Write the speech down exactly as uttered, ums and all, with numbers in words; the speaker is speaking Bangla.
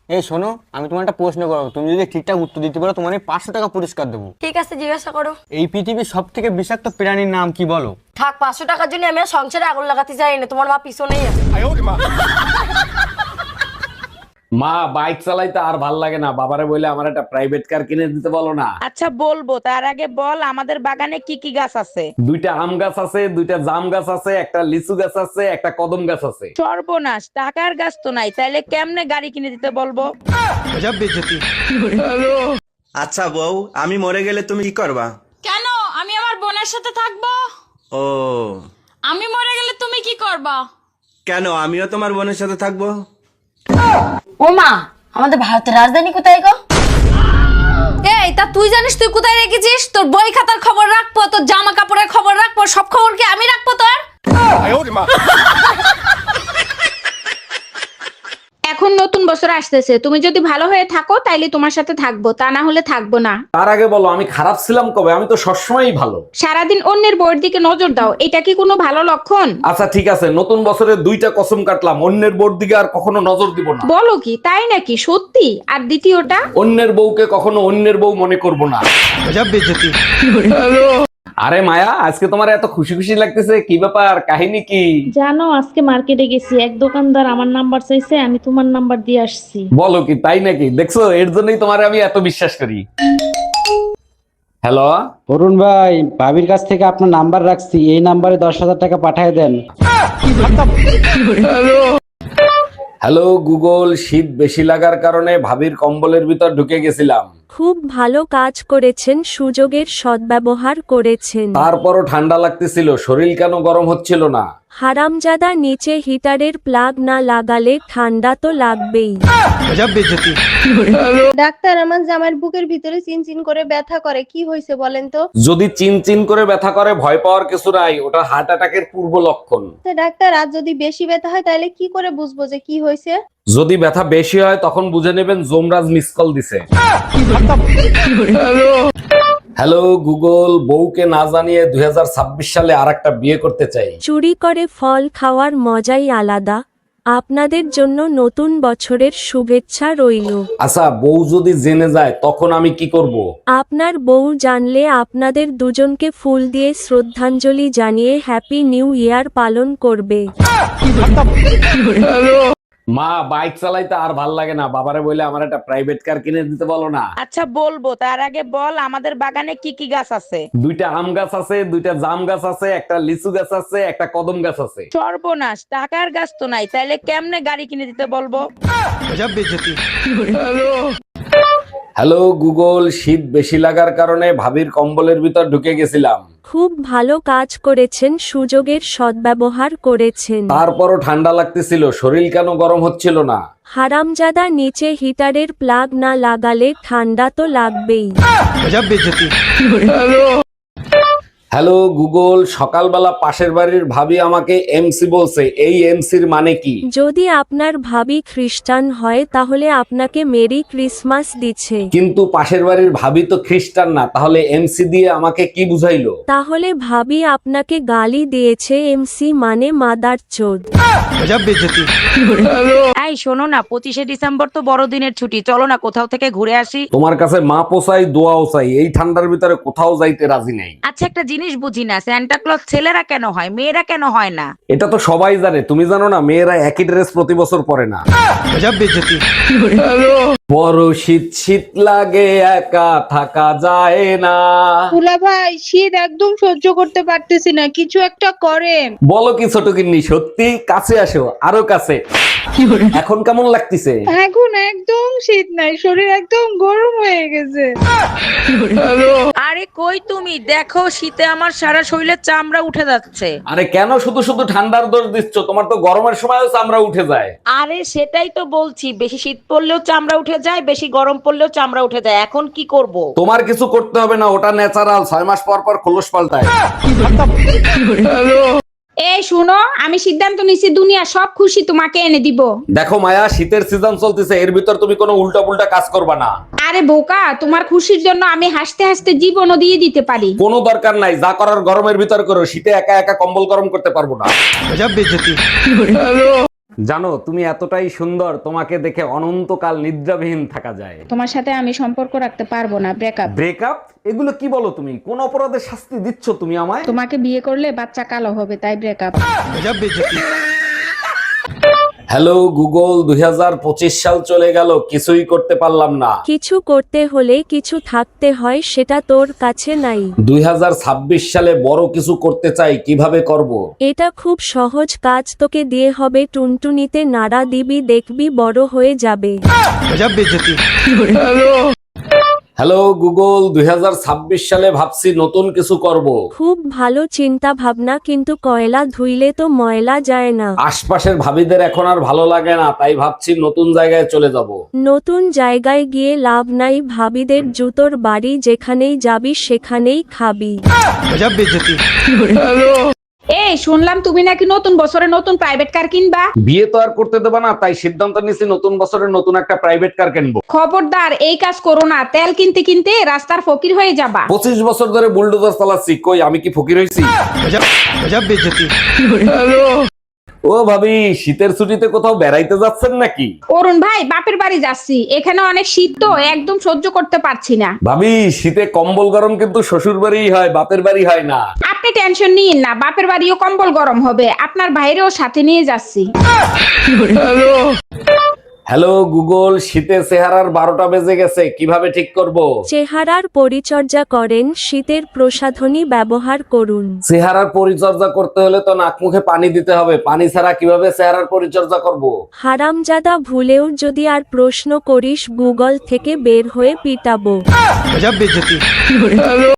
এই শোনো, আমি তোমার একটা প্রশ্ন করবো, তুমি যদি ঠিকঠাক উত্তর দিতে পারো তোমার আমি পাঁচশো টাকা পুরস্কার দেবো। ঠিক আছে, জিজ্ঞাসা করো। এই পৃথিবীর সব থেকে বিষাক্ত প্রাণীর নাম কি বলো? থাক, পাঁচশো টাকার জন্য আমি আর সংসারে আগুন লাগাতে চাই না, তোমার মা পিছনেই আছে। মা, বাইক চালাইতে আর ভাল লাগে না, বাবারে বলে আমার একটা প্রাইভেট কার কিনে দিতে বলো না। আচ্ছা বলবো, তার আগে বল আমাদের বাগানে কি কি গাছ আছে? দুইটা আম গাছ আছে, দুইটা জাম গাছ আছে, একটা লিচু গাছ আছে, একটা কদম গাছ আছে। সর্বনাশ, টাকার গাছ তো নাই, তাইলে কেমনে গাড়ি কিনে দিতে বলবো? আচ্ছা বউ, আমি মরে গেলে তুমি কি করবা? কেন? আমি আমার বোনের সাথে থাকবো। ও, আমি মরে গেলে তুমি কি করবা? কেন আমিও তোমার বোনের সাথে থাকবো? ও মা, আমাদের ভারতের রাজধানী কোথায় গো? এই, তা তুই জানিস তুই কোথায় রেখেছিস? তোর বই খাতার খবর রাখবো, তোর জামা কাপড়ের খবর রাখবো, সব খবর কি আমি রাখবো তোর? এখন নতুন বছর আসতেছে, তুমি যদি ভালো হয়ে থাকো তাইলে তোমার সাথে থাকবো, তা না হলে থাকবো না। তার আগে বলো আমি খারাপ ছিলাম কবে? আমি তো সবসময়ই ভালো। সারাদিন অন্যের বউয়ের দিকে নজর দাও, এটা কি কোনো ভালো লক্ষণ? আচ্ছা ঠিক আছে, নতুন বছরে দুইটা কসম কাটলাম, অন্যের বোর দিকে আর কখনো নজর দিব না। বলো কি, তাই নাকি? সত্যি? আর দ্বিতীয়টা? অন্যের বউকে কখনো অন্যের বউ মনে করব না। আরে মায়া, আজকে তোমার এত খুশি খুশি লাগতেছে, কি ব্যাপার, কাহিনী কি? জানো, আজকে মার্কেটে গেছি, এক দোকানদার আমার নাম্বার চাইছে, আমি তোমার নাম্বার দিয়ে আসছি। বলো কি, তাই নাকি? দেখছো, এর জন্যই তোমার আমি এত বিশ্বাস করি। হ্যালো অরুণ ভাই, ভাবির কাছ থেকে আপনার নাম্বার রাখছি, এই নাম্বারে দশ হাজার টাকা পাঠিয়ে দেন। হ্যালো গুগল, শীত বেশি লাগার কারণে ভাবির কম্বলের ভিতর ঢুকে গেছিলাম। খুব ভালো কাজ করেছেন, সুযোগের সদ্ব্যবহার করেছেন। তারপরও ঠান্ডা লাগতেছিল, শরীর কেন গরম হচ্ছিল না? হারামজাদা, নিচে হিটারের প্লাগ না লাগালে ঠান্ডা তো লাগবেই। ডাক্তার, আমার জামাইয়ের বুকের ভিতরে চিনচিন করে ব্যথা করে, কি হয়েছে বলেন তো? যদি চিন চিন করে ব্যথা করে ভয় পাওয়ার কিছু নাই, ওটা হার্ট অ্যাটাকের পূর্ব লক্ষণ। তা ডাক্তার, আর যদি বেশি ব্যথা হয় তাহলে কি করে বুঝবো যে কি হয়েছে? যদি ব্যথা বেশি হয় তখন বুঝে নেবেন যমরাজ মিস কল দিছে। হ্যালো গুগল, বউকে না জানিয়ে দুই হাজার ছাব্বিশ সালে আর একটা বিয়ে করতে চাই। চুরি করে ফল খাওয়ার মজাই আলাদা। আপনাদের জন্য নতুন বছরের শুভেচ্ছা রইল। আচ্ছা, বউ যদি জেনে যায় তখন আমি কি করব? আপনার বউ জানলে আপনাদের দুজনকে ফুল দিয়ে শ্রদ্ধাঞ্জলি জানিয়ে হ্যাপি নিউ ইয়ার পালন করবে। মা, বাইক চালাইতে আর ভাল লাগে না, বাবারে বলে আমার একটা প্রাইভেট কার কিনে দিতে বলো না। আচ্ছা বলবো, তার আগে বল আমাদের বাগানে কি কি গাছ আছে? দুইটা আম গাছ আছে, দুইটা জাম গাছ আছে, একটা লিচু গাছ আছে, একটা কদম গাছ আছে। সর্বনাশ, টাকার গাছ তো নাই, তাইলে কেমনে গাড়ি কিনে দিতে বলবো? হ্যালো গুগল, শীত বেশি লাগার কারণে ভাবির কম্বলের ভিতর ঢুকে গেছিলাম। খুব ভালো কাজ করেছেন, সুযোগের সদ্ব্যবহার করেছেন। তারপরও ঠান্ডা লাগতেছিল, শরীর কেন গরম হচ্ছিল না? হারামজাদা, নিচে হিটারের প্লাগ না লাগালে ঠান্ডা তো লাগবেই। হ্যালো গুগল, সকালবেলা পাশের বাড়ির ভাবি আমাকে এমসি বলছে, এই এমসির মানে কি? যদি আপনার ভাবি খ্রিস্টান হয় তাহলে আপনাকে মেরি ক্রিসমাস দিচ্ছে। কিন্তু পাশের বাড়ির ভাবি তো খ্রিস্টান না, তাহলে এমসি দিয়ে আমাকে কি বুঝাইলো? তাহলে ভাবি আপনাকে গালি দিয়েছে, এমসি মানে মাদার চোদ। এই শোনো না, পঁচিশে ডিসেম্বর তো বড়দিনের ছুটি, চলো না কোথাও থেকে ঘুরে আসি। তোমার কাছে মা পোসাই, দোয়াও চাই, এই ঠান্ডার ভিতরে কোথাও যাইতে রাজি নেই। আচ্ছা, একটা জিনিস বুঝি না, সান্টা ক্লজ ছেলেরা কেন হয়, মেয়েরা কেন হয় না? এটা তো সবাই জানে, তুমি জানো না? মেয়েরা একই ড্রেস প্রতি বছর পরে না। বড় শীত শীত লাগে, একা থাকা যায় না। তুলা ভাই, শীত একদম সহ্য করতে পারতেছি না, কিছু একটা করেন। বলো কি ছোট কিন্নি, সত্যি? কাছে আসো, আরো কাছে। এখন কেমন লাগতেছে? এখন একদম শীত নাই, শরীর একদম গরম হয়ে গেছে। আরে কই তুমি, দেখো শীতে আমার সারা শরীরের চামড়া উঠে যাচ্ছে। আরে কেন শুধু শুধু ঠান্ডার দোষ দিচ্ছ? তোমার তো গরমের সময়ও চামড়া উঠে যায়। আরে সেটাই তো বলছি, বেশি শীত পড়লেও চামড়া উঠে যায়, বেশি গরম পড়লেও চামড়া উঠে যায়, এখন কি করব? তোমার কিছু করতে হবে না, ওটা ন্যাচারাল, ছয় মাস পর পর খোলস পাল্টায়। এই শুনো, আমি সিদ্ধান্ত নিছি, দুনিয়া সব খুশি তোমাকে এনে দিব। দেখো মায়া, শীতের সিজন চলতেছে, এর ভিতর তুমি কোনো উল্টা পুল্টা কাজ করবা না। আরে বোকা, তোমার খুশির জন্য আমি হাসতে হাসতে জীবনও দিয়ে দিতে পারি। কোনো দরকার নাই, যা করার গরমের ভিতর করো, শীতে একা একা কম্বল গরম করতে পারবো না। জানো তুমি এতটাই সুন্দর, তোমাকে দেখে অনন্তকাল নিদ্রাবিহীন থাকা যায়। তোমার সাথে আমি সম্পর্ক রাখতে পারবো না, ব্রেকআপ। ব্রেকআপ? এগুলো কি বলো তুমি? কোন অপরাধের শাস্তি দিচ্ছ তুমি আমায়? তোমাকে বিয়ে করলে বাচ্চা কালো হবে, তাই ব্রেকআপ। হ্যালো গুগল, দুই হাজার পঁচিশ সাল চলে গেল, কিছুই করতে পারলাম না। কিছু করতে হলে কিছু থাকতে হয়, সেটা তোর কাছে নাই। দুই হাজার ছাব্বিশ সালে বড় কিছু করতে চাই, কিভাবে করব? এটা খুব সহজ কাজ, তোকে দিয়ে হবে টুনটুনিতে নাড়া দিবি, দেখবি বড় হয়ে যাবে। হ্যালো গুগল, দুই হাজার ছাব্বিশ সালে ভাবছি নতুন কিছু করব। খুব ভালো চিন্তা ভাবনা, কিন্তু কয়লা ধুইলে তো ময়লা যায় না। আশপাশের ভাবিদের এখন আর ভালো লাগে না, তাই ভাবছি নতুন জায়গায় চলে যাব। নতুন জায়গায় গিয়ে লাভ নাই, ভাবিদের জুতোর বাড়ি, যেখানেই যাবি সেখানেই খাবি। এই শুনলাম তুমি নাকি নতুন বছরে নতুন প্রাইভেট কার কিনবা। বিয়ে তো আর করতে দেবা না, তাই সিদ্ধান্ত নিয়েছি নতুন বছরের নতুন একটা প্রাইভেট কার কিনবো। খবরদার এই কাজ করো না, তেল কিনতে কিনতে রাস্তার ফকির হয়ে যাবা। পঁচিশ বছর ধরে বুলডোজার চালাচ্ছি, কই আমি কি ফকির হয়েছি? ও ভাবি, শীতের ছুটিতে কোথাও বেড়াইতে যাচ্ছেন নাকি? অরুণ ভাই, বাপের বাড়ি যাচ্ছি, এখানে অনেক শীত তো, একদম সহ্য করতে পারছি না। ভাবি, শীতে কম্বল গরম কিন্তু শ্বশুর বাড়ি হয়, বাপের বাড়ি হয় না। আপনি টেনশন নিন না, বাপের বাড়িও কম্বল গরম হবে, আপনার ভাইরেও সাথে নিয়ে যাচ্ছি। হ্যালো গুগল, শীতের চেহারার বারোটা বেজে গেছে, কিভাবে ঠিক করব? চেহারার পরিচর্যা করেন, শীতের প্রসাধনী ব্যবহার করুন। চেহারার পরিচর্যা করতে হলে তো নাক মুখে পানি দিতে হবে, পানি ছাড়া কিভাবে চেহারার পরিচর্যা করব? হারামজাদা, ভুলেও যদি আর প্রশ্ন করিস গুগল থেকে বের হয়ে পিটাবো।